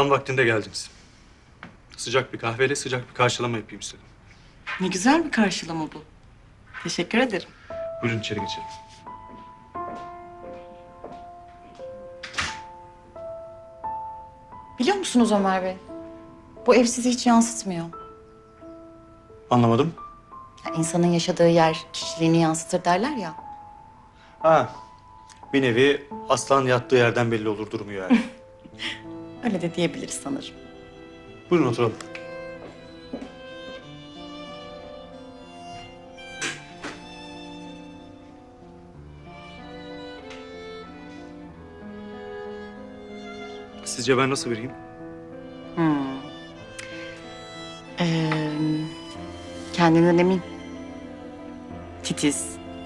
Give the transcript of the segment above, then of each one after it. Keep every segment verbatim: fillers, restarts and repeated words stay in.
Tam vaktinde geldiniz. Sıcak bir kahveyle sıcak bir karşılama yapayım istedim. Ne güzel bir karşılama bu. Teşekkür ederim. Buyurun içeri geçelim. Biliyor musunuz Ömer Bey? Bu ev sizi hiç yansıtmıyor. Anlamadım. Ya insanın yaşadığı yer kişiliğini yansıtır derler ya. Ha, bir nevi aslan yattığı yerden belli olur durumu yani. Öyle de diyebiliriz sanırım. Buyurun oturalım. Sizce ben nasıl biriyim? Hmm. Ee, kendinden emin. Titiz.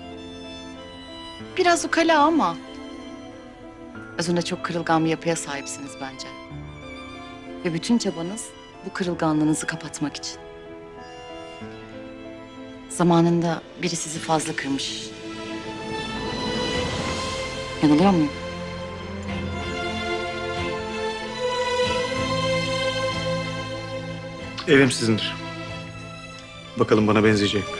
Biraz ukala ama özünde çok kırılgan bir yapıya sahipsiniz bence. Ve bütün çabanız bu kırılganlığınızı kapatmak için. Zamanında biri sizi fazla kırmış. Yanılıyor muyum? Evim sizindir. Bakalım bana benzeyecek mi?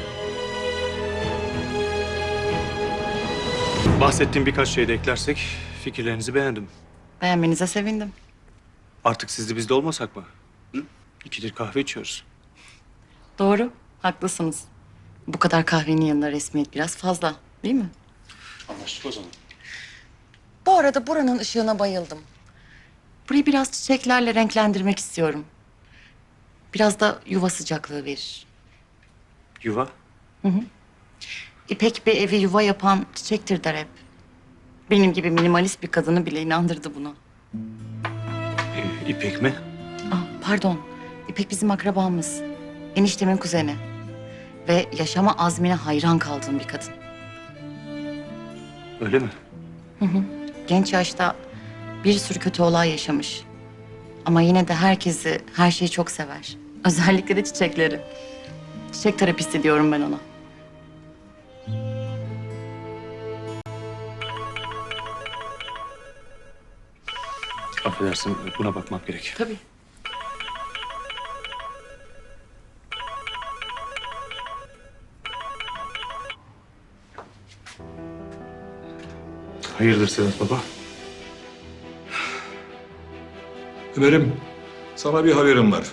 Bahsettiğim birkaç şeyi de eklersek fikirlerinizi beğendim. Beğenmenize sevindim. Artık sizde bizde olmasak mı? Hı? İkidir kahve içiyoruz. Doğru, haklısınız. Bu kadar kahvenin yanında resmiyet biraz fazla, değil mi? Anlaştık o zaman. Bu arada buranın ışığına bayıldım. Burayı biraz çiçeklerle renklendirmek istiyorum. Biraz da yuva sıcaklığı verir. Yuva? İpek bir evi yuva yapan çiçektir der hep. Benim gibi minimalist bir kadını bile inandırdı buna. Ee, İpek mi? Ah, pardon, İpek bizim akrabamız. Eniştemin kuzeni. Ve yaşama azmine hayran kaldığım bir kadın. Öyle mi? Genç yaşta bir sürü kötü olay yaşamış. Ama yine de herkesi, her şeyi çok sever. Özellikle de çiçekleri. Çiçek terapisti diyorum ben ona. Affedersin, buna bakmam gerek. Tabii. Hayırdır Sedat Baba? Ömer'im, sana bir haberim var.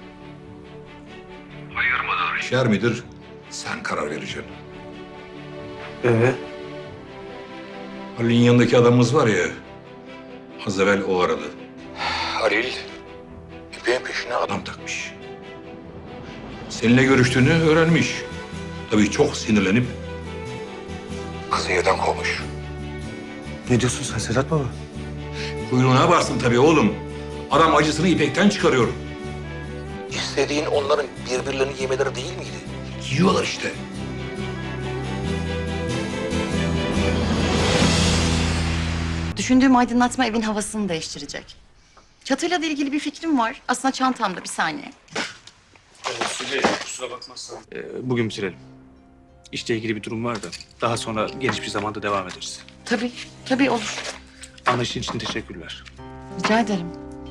Hayır mıdır, şer midir? Sen karar vereceksin. Ee? Halil'in yanındaki adamımız var ya, az evvel o aradı. Halil, İpek'in peşine adam takmış. Seninle görüştüğünü öğrenmiş. Tabii çok sinirlenip kızı evden kovmuş. Ne diyorsun sen Sedat Baba? Kuyruğuna varsın tabii oğlum. Adam acısını İpek'ten çıkarıyor. İstediğin onların birbirlerini yemeleri değil miydi? Yiyorlar işte. Düşündüğüm aydınlatma evin havasını değiştirecek. Çatıyla da ilgili bir fikrim var. Aslında çantamda, bir saniye. Ee, kusura bakmazsan. Ee, bugün bitirelim. İşle ilgili bir durum var da daha sonra geniş bir zamanda devam ederiz. Tabii, tabii olur. Anlayışın için teşekkürler. Rica ederim.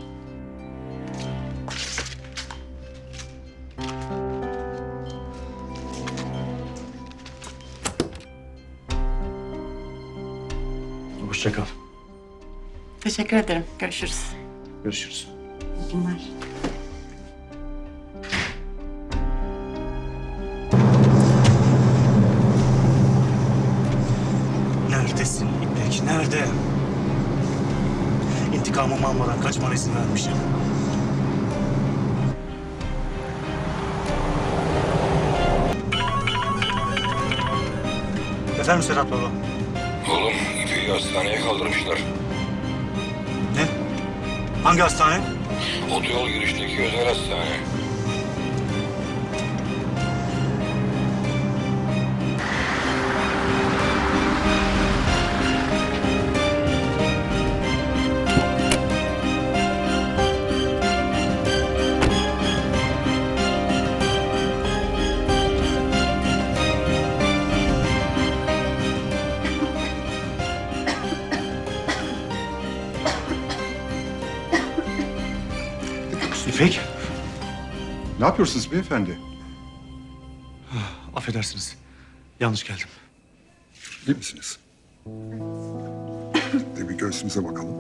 Hoşça kal. Teşekkür ederim. Görüşürüz. Görüşürüz. İyi günler. Neredesin İpek? Nerede? İntikamımı almadan kaçmana izin vermişim. Efendim Sedat Baba? Oğlum İpek'i hastaneye kaldırmışlar. Ne? Hangi hastane? Otoyol girişteki özel hastane. İpek. Ne yapıyorsunuz beyefendi? Affedersiniz. Yanlış geldim. İyi misiniz? De bir göğsümüze bakalım.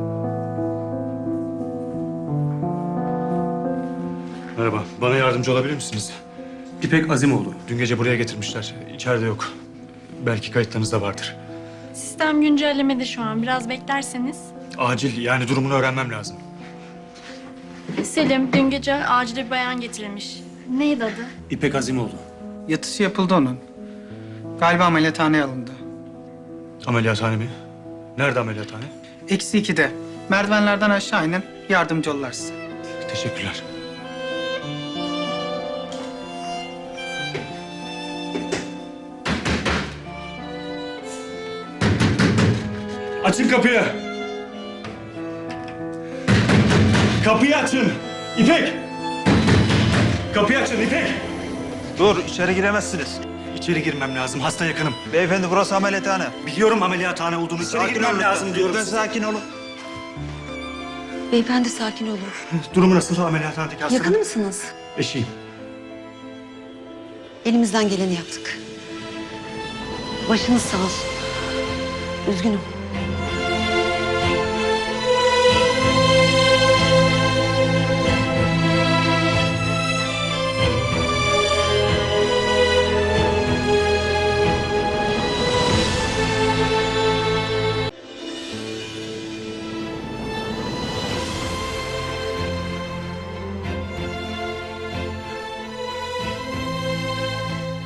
Merhaba. Bana yardımcı olabilir misiniz? İpek Azimoğlu. Dün gece buraya getirmişler. İçeride yok. Belki kayıtlarınızda vardır. Sistem güncellemede şu an. Biraz beklerseniz. Acil, yani durumunu öğrenmem lazım. Selim, dün gece acile bir bayan getirilmiş. Neydi adı? İpek Azimoğlu. Yatısı yapıldı onun. Galiba ameliyathaneye alındı. Ameliyathane mi? Nerede ameliyathane? Eksi ikide. Merdivenlerden aşağı inin. Yardımcı olurlar size. Teşekkürler. Açın kapıyı. Kapıyı açın. İpek. Kapıyı açın İpek. Dur, içeri giremezsiniz. İçeri girmem lazım. Hasta yakınım. Beyefendi burası ameliyathane. Biliyorum ameliyathane olduğunu. İçeri girmem lazım diyorum. Lütfen sakin olun. Beyefendi sakin olun. Durumu nasıl ameliyathanedeki hastanın? Yakın mısınız? Eşiyim. Elimizden geleni yaptık. Başınız sağ olsun. Üzgünüm.